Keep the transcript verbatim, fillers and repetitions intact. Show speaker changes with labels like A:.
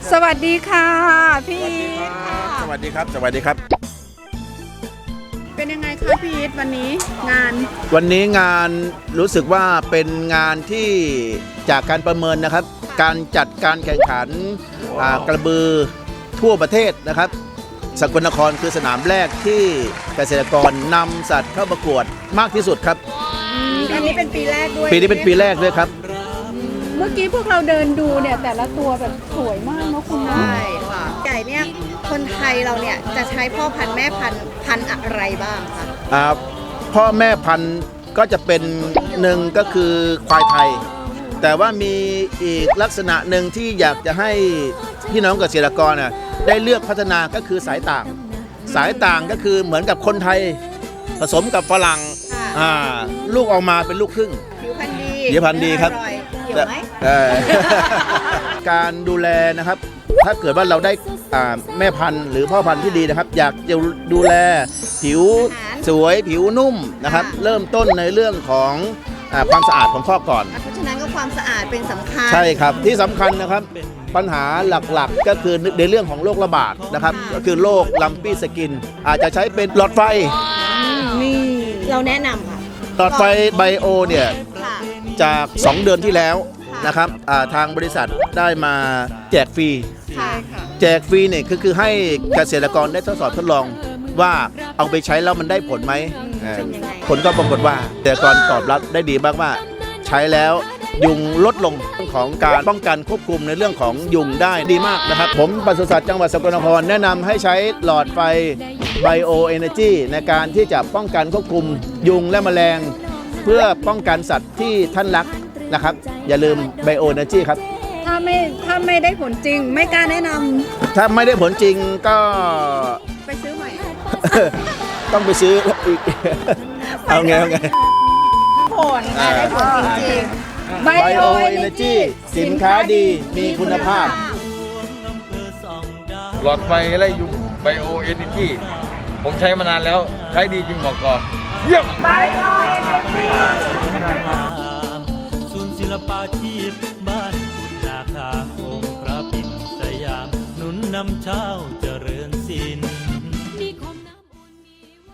A: สวัสดีค่ะพี่อีทค่ะ
B: สวัสดีครับสวัสดีครับ
A: เป็นยังไงคะพี่อีทวันนี้งาน
B: วันนี้งานรู้สึกว่าเป็นงานที่จากการประเมินนะครับ การจัดการแข่งขันอ่ากระบือทั่วประเทศนะครับ สกลนครคือสนามแรกที่เกษตรกรนำสัตว์เข้าประกวดมากที่สุดครับ
A: อันนี้เป็นปีแรกด้วย
B: ปีนี้เป็นปีแรกด้วยครับ
A: เมื่อกี้พวกเราเดินดูเนี่ยแต่ละตัวแบบสวยมากเนาะคุณเนาะ
C: ใช่ค่ะไก่เนี่ยคนไทยเราเนี่ยจะใช้พ่อพันธุ์แม่พันธุ์พันธุ์อะไรบ้างคะ
B: อ่าพ่อแม่พันธุ์ก็จะเป็นหนึ่งก็คือควายไทย แต่ว่ามีอีกลักษณะหนึ่งที่อยากจะให้พี่น้องเกษตรกรน่ะได้เลือกพัฒนาก็คือสายต่าง สายต่างก็คือเหมือนกับคนไทยผสมกับฝรั่งอ่าลูกออกมาเป็นลูกครึ่ง
C: ผิวพรรณดี
B: ผิวพรรณดีครับ
C: ออยเกี่ยวไหม
B: เอ่อ การดูแลนะครับ ถ้าเกิดว่าเราได้อ่าแม่พันธุ์หรือพ่อพันธุ์ที่ดีนะครับ อยากจะดูแลผิวสวยผิวนุ่มนะครับ เริ่มต้นในเรื่องของอ่าความสะอาดของข้อก่อน
C: เพราะฉะนั้นก็ความสะอาดเป็นสำคัญ
B: ใช่ครับที่สำคัญนะครับปัญหาหลักๆก็คือในเรื่องของโรคระบาดนะครับ ก็คือโรคลัมปี้สกิน อาจจะใช้เป็นหลอดไฟ
C: นี่เราแนะนำค่ะ
B: หลอดไฟไบโอเนี่ย
C: ค่ะ
B: จาก สอง เดือนที่แล้วนะครับอ่าทางบริษัทได้มาแจกฟรี
C: ค่ะ
B: แจกฟรีเนี่ยคือคือให้เกษตรกรได้ทดสอบทดลองว่าเอาไปใช้แล้วมันได้ผลไหมเอ่อ
C: เป็นยังไง
B: ผลก็ปรากฏว่าเกษตรกรตอบรับได้ดีมากว่าใช้แล้วยุงลดลงเรื่องของการป้องกันควบคุมในเรื่องของยุงได้ดีมากนะครับ ผมปศุสัตว์จังหวัดสกลนครแนะนำให้ใช้หลอดไฟไบโอเอเนจีในการที่จะป้องกันควบคุมยุงและแมลง เพื่อป้องกันสัตว์ที่ท่านรักนะครับ อย่าลืมไบโอเอเนจีครับ
A: ถ้าไม่ถ้าไม่ได้ผลจริงไม่กล้าแนะนำ
B: ถ้าไม่ได้ผลจริงก็
A: ไปซื้อใหม่
B: ต้องไปซื้ออีก เอาไงเอาไง
C: ผลค่ะได้ผลจริง
A: ไบ
B: ไบ
A: โอ
B: โอ
A: เอ
B: เอ
A: เน
B: เน
A: จี
B: จีสินค้าดีมีคุณภาพ
D: หลอดไฟไล่ยุงไบโอเอเนจีผมใช้มานานแล้วใช้ดีจริงบอกก่อนเยี่ยม
E: ศูนย์ศิลปาชีพบ้านกุฎนาคาองค์พระปิ่นสยามหนุนนำเช้าเจริญศิลป์